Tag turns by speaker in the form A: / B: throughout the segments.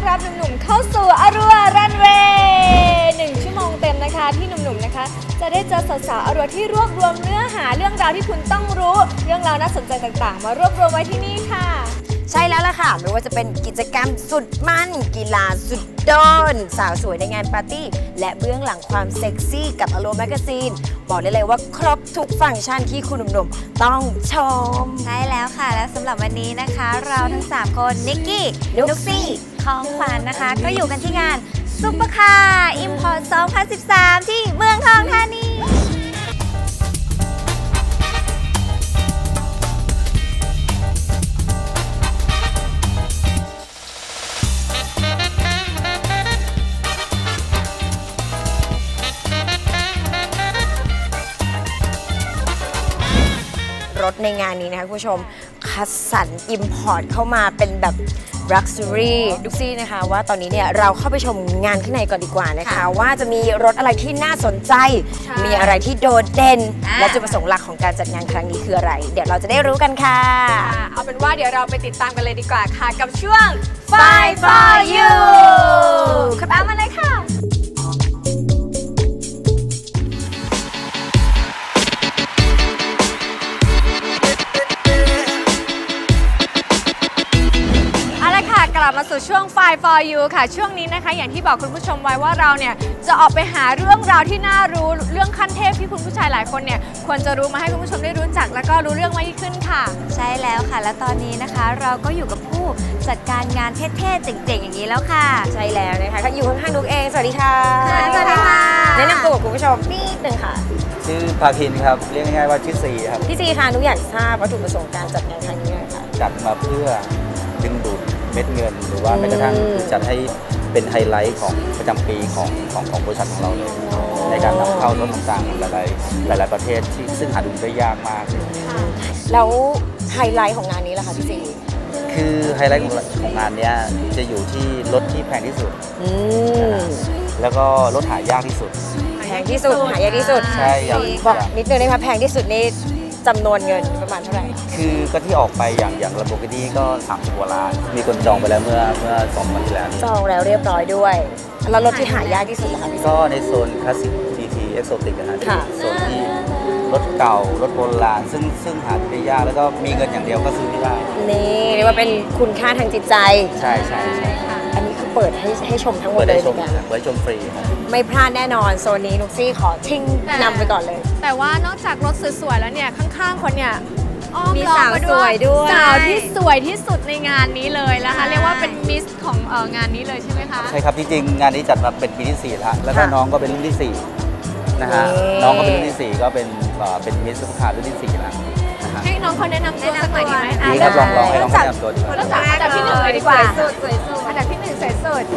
A: รับหนุ่มๆเข้าสู่อรัวรันเวย์1 ชั่วโมงเต็มนะคะที่หนุ่มๆนะคะจะได้เจอสาวๆอรัวที่รวบรวมเนื้อหาเรื่องราวที่คุณต้องรู้เรื่องราวน่าสนใจต่างๆมารวบรวมไว้ที่นี่ค่ะ
B: ใช่แล้วล่ะค่ะไม่ว่าจะเป็นกิจกรรมสุดมันกีฬาสุดโดนสาวสวยในงานปาร์ตี้และเบื้องหลังความเซ็กซี่กับอโลแมกาซีนบอกได้เลยว่าครบทุกฟังก์ชันที่คุณหนุ่มๆต้องชม
C: ใช่แล้วค่ะและสำหรับวันนี้นะคะเราทั้ง3คนนิกกี้นุกซี่ของขวัญนะคะก็อยู่กันที่งานซุปเปอร์คาร์อิมพอร์ต 2013 ที่เมืองทองธานี
B: รถในงานนี้นะคะคุณผู้ชมคัดสรรอิมพอร์ตเข้ามาเป็นแบบ Luxury ดูซี่นะคะว่าตอนนี้เนี่ยเราเข้าไปชมงานข้างในก่อนดีกว่านะคะว่าจะมีรถอะไรที่น่าสนใจมีอะไรที่โดดเด่นและจุดประสงค์หลักของการจัดงานครั้งนี้คืออะไรเดี๋ยวเราจะได้รู้กันค่ะ
A: เอาเป็นว่าเดี๋ยวเราไปติดตามกันเลยดีกว่าค่ะกับช่วง Fight for You ขับตามมาเลยค่ะกลับมาสู่ช่วง Fight for You ค่ะช่วงนี้นะคะอย่างที่บอกคุณผู้ชมไว้ว่าเราเนี่ยจะออกไปหาเรื่องราวที่น่ารู้เรื่องขั้นเทพที่คุณผู้ชายหลายคนเนี่ยควรจะรู้มาให้คุณผู้ชมได้รู้จักแล้วก็รู้เรื่องมากยิ่งขึ้นค่ะ
C: ใช่แล้วค่ะและตอนนี้นะคะเราก็อยู่กับผู้จัดการงานเท่ๆเจ๋งๆอย่างนี้แล้วค่ะ
B: ใช่แล้วนะคะอยู่ข้างๆนุกเองสวัสดีค่ะ
C: สวัสดีค่ะ
B: แนะนำตัวกับคุณผู้ชมนิดนึงค่ะ
D: ชื่อภาคินครับเรียกง่ายๆว่าชื่อซีครับ
B: พี่ซีค่ะนุกอยากทราบวัตถุประสงค์การจัดงานครั้งนี้ค่ะ
D: จัดมาเพื่อดึงดูดเม็ดเงินหรือว่าแม้กระทั่งจัดให้เป็นไฮไลท์ของประจำปีของบริษัทของเราเลยในการนำเข้ารถต่างๆหลายประเทศที่ซึ่งหาดูได้ยากมาก
B: แล้วไฮไลท์ของงานนี้ล่ะคะพี่ซี
D: คือไฮไลท์ของงานนี้จะอยู่ที่รถที่แพงที่สุดแล้วก็รถหายากที่สุด
B: แพงที่สุดหายากที่สุด
D: ใช่
B: บอกนิดนึงนะคะแพงที่สุดนี่จำนวนเงินประมาณเท่าไหร่
D: คือก็ที่ออกไปอย่างลำโบกินี่ก็30 กว่าล้านมีคนจองไปแล้วเมื่อ2 วันที่แล้ว
B: จองแล้วเรียบร้อยด้วยแล้วรถที่หายากที่สุดนะคะ
D: ก็ในโซนคลาสสิก GT Exotic นะฮะโซนที่รถเก่ารถโบราณซึ่งหาได้ยากแล้วก็มีเงินอย่างเดียวก็ซื้อไม่ได้
B: นี่เรียกว่าเป็นคุณค่าทางจิตใจ
D: ใช่
B: อันนี้คือเปิดให้ชมทั้งหมดเลย
D: ไว้ชมฟรี
B: ไม่พลาดแน่นอนโซนนี้นุกซี่ขอทิ้งนำไปก่อนเลย
A: แต่ว่านอกจากรถสวยๆแล้วเนี่ยข้างๆคนเนี่ย
B: มีสาวสวยด้วย
A: สาวที่สวยที่สุดในงานนี้เลยนะคะเรียกว่าเป็นมิสของงานนี้เลยใช่ไหมคะ
D: ใช่ครับจริงๆงานนี้จัดมาเป็นปีที่4แล้วก็น้องก็เป็นรุ่นที่4นะฮะน้องก็เป็นรุ่นที่4ก็เป็นมิสซุปเปอร์คาร์รุ่นที่4แล้ว
A: ให้น้องเขาแนะนำตัวสักหน่อยดีไหม
D: ดีครับลองให้น้องแนะนำตัวดีกว่า
A: เริ่มจากอันดับที่1เลยดีกว่าอันดับที่1สวยสุด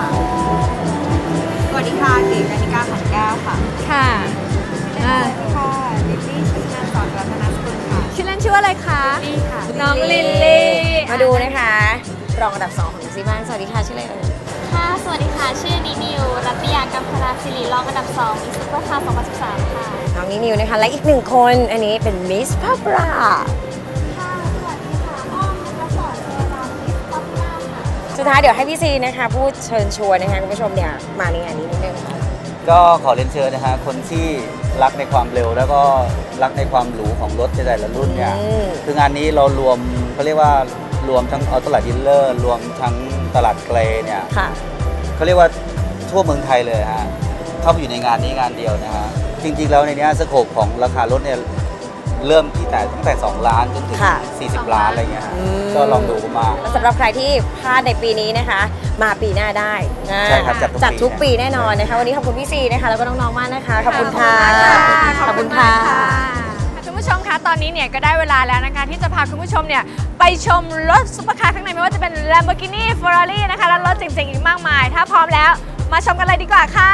E: สวัสดีค่ะเก๋กนิกาขันแก้วค่ะ
A: ค่ะ
E: สวัสดีค่ะลิลลี่ชินานสอนรัตนสกุลค่ะ
A: ชื่อเล่นชื่ออะไรคะ
E: ลิลลี่ค่ะ
A: น้องลิลลี่
B: มาดูนะคะรองอันดับ2ของนุกซี่บ้างสวัสดีค่ะชื่ออะไรเอ่ย
F: ค่ะสวัสดีค่ะชื่อนิวรัตยากัมพลาศิริรองอันดับ2มิสซุปเปอร์คาร์ 2013 ค่ะ
B: น้องนิวนะคะและอีก1 คนอันนี้เป็นมิสพับรา
F: ค่ะสวัสดีค่ะอ้อมรัศรเทวดามิสพับราค่ะ
B: สุดท้ายเดี๋ยวให้พี่ซีนะคะพูดเชิญชวนนะคะคุณผู้ชมเนี่ยมาในงานนี้นิดนึง
D: ก็ขอเรียนเชิญนะฮะคนที่รักในความเร็วแล้วก็รักในความหรูของรถในแต่ละรุ่นเนี่ยคืองานนี้เรารวมเขาเรียกว่ารวมทั้งออโต้ไลท์ดีลเลอร์รวมทั้งตลาดเกรเนี่ยเขาเรียกว่าทั่วเมืองไทยเลยฮะเข้าไปอยู่ในงานนี้งานเดียวนะฮะจริงๆแล้วในนี้สโคปของราคารถเนี่ยเริ่มที่ตั้งแต่2 ล้านจนถึง40 ล้านอะไรเงี้ยก็ลองดูมา
B: สำหรับใครที่พลาดในปีนี้นะคะมาปีหน้าได้
D: ใช่ครับ
B: จัดทุกปีแน่นอนนะคะวันนี้ขอบคุณพี่ซีนะคะแล้วก็น้องๆมากนะคะขอบคุณค่ะ
A: ขอบคุณค่ะคุณผู้ชมคะตอนนี้เนี่ยก็ได้เวลาแล้วนะคะที่จะพาคุณผู้ชมเนี่ยไปชมรถซุปเปอร์คาร์ข้างในไม่ว่าจะเป็น Lamborghini Ferrari นะคะและรถเจ๋งๆอีกมากมายถ้าพร้อมแล้วมาชมกันเลยดีกว่าค่ะ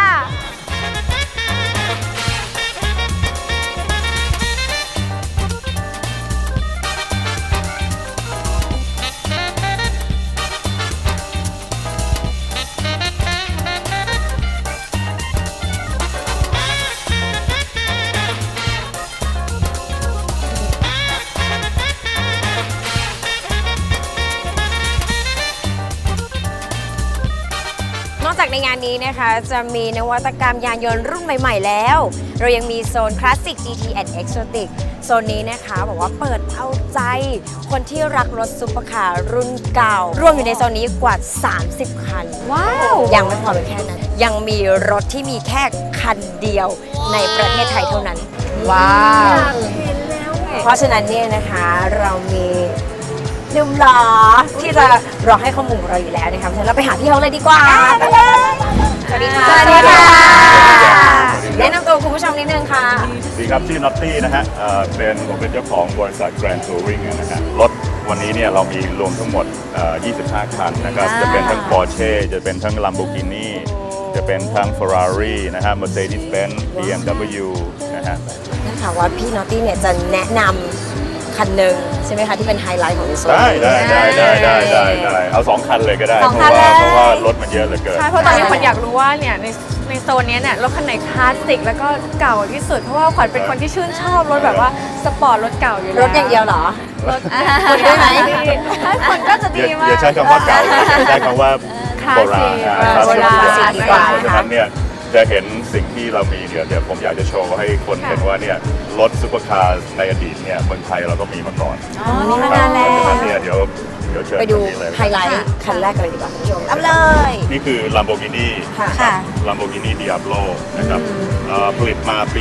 B: อกจากในงานนี้นะคะจะมีนวัตกรรมยานยนต์รุ่นใหม่ๆแล้ว เรายังมีโซนคลาสสิก GT and Exotic โซนนี้นะคะบอกว่าเปิดเอาใจคนที่รักรถซุปเปอร์คาร์รุ่นเก่ารวมอยู่ในโซนนี้กว่า 30 คัน
A: ว้าว
B: ยังไม่พอเป็นแค่นั้น ยังมีรถที่มีแค่คันเดียวในประเทศไทยเท่านั้น
A: ว้าว
B: เพราะฉะนั้นเนี่ยนะคะเรามีหนุ่มหล่อที่จะรอให้ข้อมูลของเราอยู่แล้วนะคะเพราะฉะนั้นเราไปหาพี่เขาเลยดีกว่าไปเลยสวัสดีค่ะ
A: สวัสดีค่ะ
B: แนะนำตัวคุณผู้ชมนิดนึงค่ะ
G: สวัสดีครับชื่อน็อตตี้นะฮะผมเป็นเจ้าของบริษัท Grand Touring นะฮะรถวันนี้เนี่ยเรามีรวมทั้งหมด 25 คันนะครับจะเป็นทั้ง Porsche จะเป็นทั้ง Lamborghini จะเป็นทั้ง Ferrari นะฮะ Mercedes-Benz BMW นะฮะ
B: นั่นค่ะว่าพี่นอตตี้เนี่ยจะแนะนำคันหนึ่งใช่ไหมคะที่เป็นไฮไลท์ของในโซน
G: ได้
B: นี้
G: ได้เอา2 คันเลยก็ได้
A: สองคัน
G: เพราะว่า
A: เลย
G: รถมันเยอะเหลือเกิน
A: ใช่เพราะตอนนี้ขวัญอยากรู้ว่าเนี่ยในโซนเนี้ยเนี่ยรถคันไหนคลาสสิกแล้วก็เก่าที่สุดเพราะว่าขวัญเป็นคนที่ชื่นชอบรถแบบว่าสปอร์ตรถเก่าอยู่แล้ว
B: รถอย่างเดียวเหรอ
A: รถ
B: คุยได้ไหม
A: ถ้าคนก็จะดีมาก
G: อย่าใช้คำว่าเก่าเลยอย่าใช้คำว่าโบราณ
A: โบราณ
G: คลาสสิก
B: ดีกว่า
G: เพราะฉะนั้นเนี่ยจะเห็นสิ่งที่เรามีเดี๋ยวผมอยากจะโชว์ให้คนเห็นว่าเนี่ยรถซุปเปอร์คาร์ในอดีตเนี่ยเมืองไทยเราก็มีมาก่อน
A: มีมานานแล้ว
G: เพราะฉะนั้นเนี่ยเดี๋ยวเชิญ
B: ไปดู
G: คนนี้เลย
B: ไฮไลท์คันแรกกันเลยดีกว่าคุณผู้ชม
C: เอาเลย
G: นี่คือ Lamborghini
C: ค่ะ
G: Lamborghini Diablo นะครับผลิตมาปี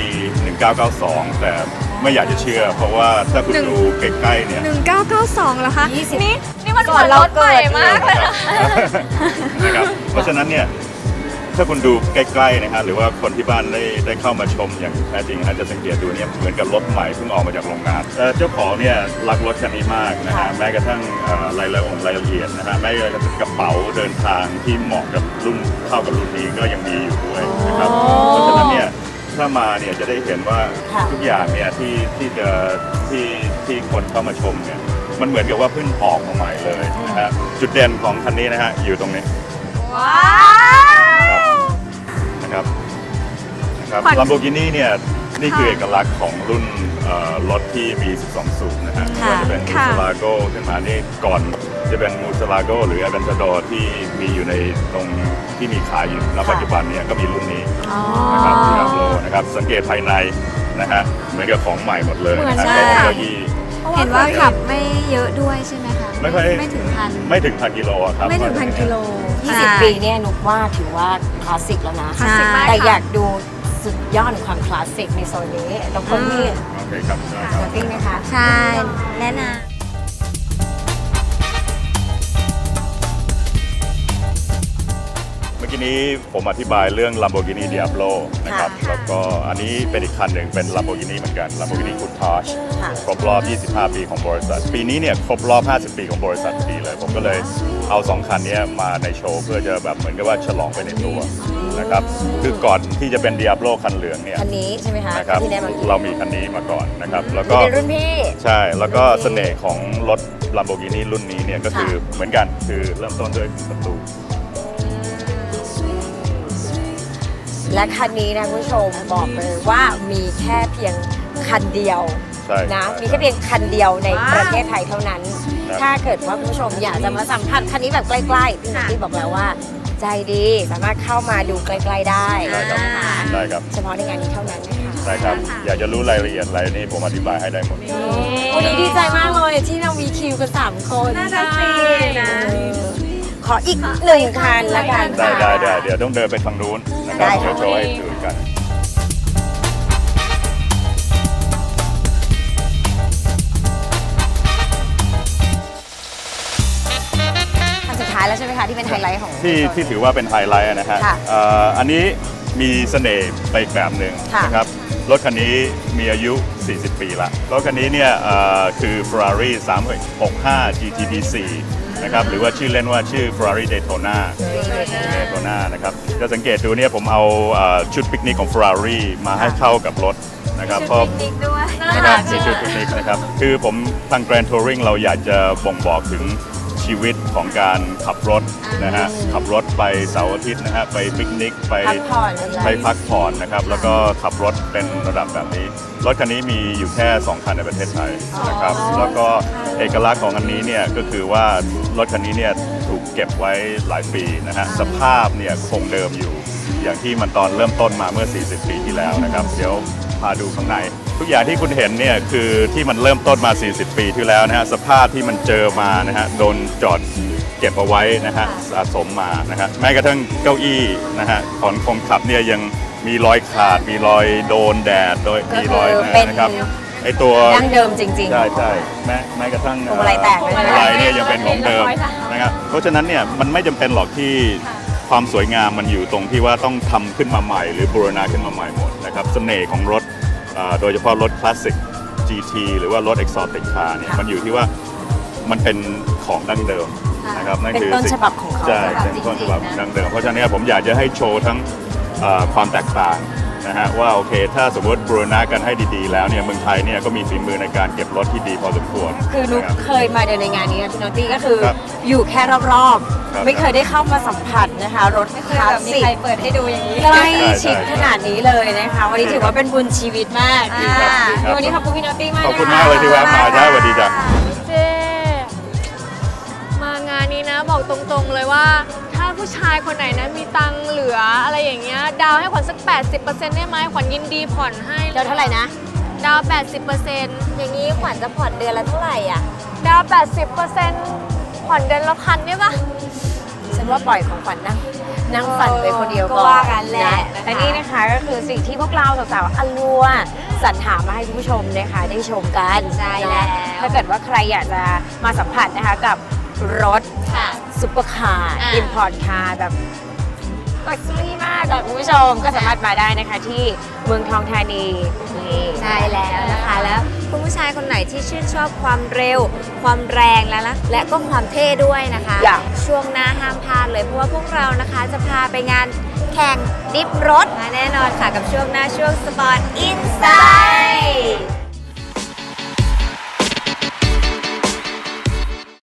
G: 1992 แต่ไม่อยากจะเชื่อ เพราะว่าถ้าคุณดูใกล้ๆเนี่ย
A: 1992แล้วคะนี่มันเหมือนรถใหม่มากเลยนะ
G: นะครับเพราะฉะนั้นเนี่ยถ้าคุณดูใกล้ๆนะฮะหรือว่าคนที่บ้านได้เข้ามาชมอย่างแท้จริงอาจจะสังเกตดูเนี่ยเหมือนกับรถใหม่เพิ่งออกมาจากโรงงานเจ้าของเนี่ยรักรถคันนี้มากนะฮะแม้กระทั่งรายละเอียดนะฮะแม้กระทั่งกระเป๋าเดินทางที่เหมาะกับรุ่นเข้ากับรุ่นนี้ก็ยังมีอยู่ด้วยนะครับเพราะฉะนั้นเนี่ยถ้ามาเนี่ยจะได้เห็นว่าทุกอย่างเนี่ยที่คนเข้ามาชมเนี่ยมันเหมือนกับว่าเพิ่งออกมาใหม่เลยนะฮะจุดเด่นของคันนี้นะฮะอยู่ตรงนี้
A: ว้าว
G: นะครับ Lamborghini เนี่ยนี่คือเอกลักษณ์ของรุ่นรถที่มี 12 สูบนะฮะไม่ว่าจะเป็น Murcielago ขึ้นมานี่ก่อนจะเป็น Murcielago หรือ Aventador ที่มีอยู่ในตรงที่มีขายอยู่ณปัจจุบันเนี่ยก็มีรุ่นนี้นะครับ Diablo นะครับสังเกตภายในนะฮะเหมือนกับของใหม่หมดเลยนะฮะ
A: เหมือนใช่
G: เก้าอี้
C: เห็นว่าขับไม่เยอะด้วยใช่ไหมคะ
G: ไม่ค่อย
C: ไม่ถึงพัน
G: ไม่ถึงพันกิโลอะครับ
C: ไม่ถึงพันกิโล
B: 20 ปีเนี่ยนุกว่าถือว่าคลาสสิกแล้วนะ
A: คลาสสิกมาก
B: แต่
A: ค่ะ
B: อยากดูสุดยอดของความคลาสสิกในโซนนี้แล้วคนที่
G: โอเคครับได้ครับ
B: นอตตี้นะคะ
C: ใช่แนะน
G: เมื่อกี้นี้ผมอธิบายเรื่อง Lamborghini Diablo นะครับ แล้วก็อันนี้เป็นอีกคันหนึ่งเป็น Lamborghini เหมือนกัน Lamborghini Countach ครบรอบ 25 ปีของบริษัท ปีนี้เนี่ยครบรอบ 50 ปีของบริษัทพอดีเลย ผมก็เลยเอา 2 คันนี้มาในโชว์เพื่อจะแบบเหมือนกับว่าฉลองไปในตัวนะครับ คือก่อนที่จะเป็น Diablo คันเหลืองเนี่ย
B: คันนี้ใช่ไหมคะ
G: นะครับ
B: ที่แนะนำ
G: เรามีคันนี้มาก่อนนะครับ แล้วก็
B: เป็นรุ่นพี่
G: ใช่ แล้วก็เสน่ห์ของรถ Lamborghini รุ่นนี้เนี่ยก็คือเหมือนกัน คือเริ่มต้นด้วยประตู
B: และคันนี้นะคุณผู้ชมบอกเลยว่ามีแค่เพียงคันเดียว
G: ใช่
B: นะ
G: ใช่
B: มีแค่เพียงคันเดียวในประเทศไทยเท่านั้น
G: ครับ
B: ถ้าเกิดว่าคุณผู้ชมอยากจะมาสัมผัสคันนี้แบบใกล้ๆพี่นัทตี้บอกแล้วว่า ใจดีสามารถเข้ามาดูใกล้ๆได้
G: ได้ครับ
B: นะคะ
G: ได้ครับ
B: เฉพาะในงานนี้เท่านั้นนะคะ
G: ใช่ครับ อยากจะรู้รายละเอียดอะไรนี่ผมอธิบายให้ได้หมด
B: วันนี้ดีใจมากเลยที่เรามีคิวกัน3 คน
A: น่าจะสินะ
B: ขออีก1 คันละกัน
G: ได้
B: ค่ะ
G: เดี๋ยวต้องเดินไปทางนู้นนะครับ
B: ได้
G: เดี๋ยว
B: ค่ะ
G: โชว์ให้ดูกัน
B: คันสุดท้ายแล้วใช่ไหมคะที่เป็นไฮไลท์ของ
G: ที่ถือว่าเป็นไฮไลท์นะฮะ
B: ค่ะ
G: อันนี้มีเสน่ห์ไปอีกแบบหนึ่ง
B: ค่ะ
G: นะครับ รถคันนี้มีอายุ 40 ปีละ รถคันนี้เนี่ยคือ Ferrari 365 GTB4 นะครับ หรือว่าชื่อเล่นว่าชื่อ Ferrari Daytona นะครับ จะสังเกตดูเนี่ยผมเอาชุดปิกนิกของ Ferrari มาให้เข้ากับรถนะครับเพราะ
C: ด้วย
G: นะครับมีชุดปิกนิกนะครับ คือผมทาง Grand Touring เราอยากจะบ่งบอกถึงชีวิตของการขับรถนะฮะ ขับรถไปเสาร์อาทิตย์นะฮะ ไปปิกนิก ไป
B: พักผ่อน
G: ไปพักผ่อนนะครับ แล้วก็ขับรถเป็นระดับแบบนี้ รถคันนี้มีอยู่แค่ 2 คันในประเทศไทยนะครับ แล้วก็เอกลักษณ์ของอันนี้เนี่ยก็คือว่ารถคันนี้เนี่ยถถูกเก็บไว้หลายปีนะฮะสภาพเนี่ยคงเดิมอยู่อย่างที่มันตอนเริ่มต้นมาเมื่อ 40 ปีที่แล้วนะครับเดี๋ยวพาดูข้างในทุกอย่างที่คุณเห็นเนี่ยคือที่มันเริ่มต้นมา 40 ปีที่แล้วนะฮะสภาพที่มันเจอมานะฮะโดนจอดเก็บเอาไว้นะฮะสะสมมานะฮะแม้กระทั่งเก้าอี้นะฮะของคนขับเนี่ยยังมีรอยขาดมีรอยโดนแดดโดยมีรอยนะครับไอตัว
B: ดั้งเดิมจริงๆ
G: ใช่แม้กระทั่ง
B: พวงมาลัยแตกเลย
G: พวงมาลัยเนี่ยยังเป็นของเดิมนะครับเพราะฉะนั้นเนี่ยมันไม่จำเป็นหรอกที่ความสวยงามมันอยู่ตรงที่ว่าต้องทำขึ้นมาใหม่หรือบูรณะขึ้นมาใหม่หมดนะครับเสน่ห์ของรถโดยเฉพาะรถคลาสสิก GT หรือว่ารถ Exotic Car เนี่ยมันอยู่ที่ว่ามันเป็นของดั้งเดิมนะครับนั่นคือ
B: เป็นต้นฉบับของเขา
G: ใช่เป็นต้นฉบับดั้งเดิมเพราะฉะนั้นผมอยากจะให้โชว์ทั้งความแตกต่างนะฮะว่าโอเคถ้าสมมติบูรณะกันให้ดีๆแล้วเนี่ยเมืองไทยเนี่ยก็มีฝีมือในการเก็บรถที่ดีพอสมควร
B: คือนุ๊ก
G: นะครับ
B: เคยมาเดินในงานนี้นะพี่โนตี้ก็คือ
G: ครับ
B: อยู่แค่รอบ
G: ครับ
B: ๆไม่เคยได้เข้ามาสัมผัสนะคะรถคลาสสิก
C: เปิดให้ดูอย่างนี้
B: ใกล้ชิดขนาดนี้เลยนะคะวันนี้ถือว่าเป็นบุญชีวิตมาก
G: ดีครับดีครับ
B: วันนี้ขอบคุณพี่โนตี้มาก
G: ขอบคุณมากเลยที่แวะมาได้สวัสดีจ้ะ
A: เจ๊มางานนี้นะบอกตรงๆเลยว่าถ้าผู้ชายคนไหนนะมีตังค์เหลืออะไรอย่างเงี้ยดาวให้ขวัญสัก 80% ได้ไหมขวัญยินดีผ่อนให้
B: เดี๋ยวเท่าไหร่นะ
A: ดาว 80%
C: อย่างนี้ขวัญจะผ่อนเดือนละเท่าไหร่อ่ะ
A: ดาว 80%ผ่อนเดือนละ1,000ได้ปะ
B: ฉันว่าปล่อยของขวัญนั่งฝันไปคนเดียว
C: ก็
B: ก่อน
C: ว่ากันแหละ
B: และนี่นะคะก็คือสิ่งที่พวกเราสาวๆอลัวสรรหามาให้คุณผู้ชมนะคะได้ชมกัน
C: ใช่แล้ว
B: ถ้าเกิดว่าใครอยากจะมาสัมผัสนะคะกับรถ
C: ค่ะ
B: ซุปเปอร์คาร์
C: อ่ะ
B: อิมพอร์ตคาร์แบบลักซ์รี่มากค่ะคุณผู้ชมก็สามารถมาได้นะคะที่เมืองทองธานีนี่
C: ใช่แล้วนะคะแล้วคุณผู้ชายคนไหนที่ชื่นชอบความเร็ว ความแรงและก็ความเท่ด้วยนะคะ ช่วงหน้าห้ามพลาดเลยเพราะว่าพวกเรานะคะจะพาไปงานแข่งดิฟรถมาแน่นอนค่ะกับช่วงหน้าช่วงสปอร์ตอินไซด์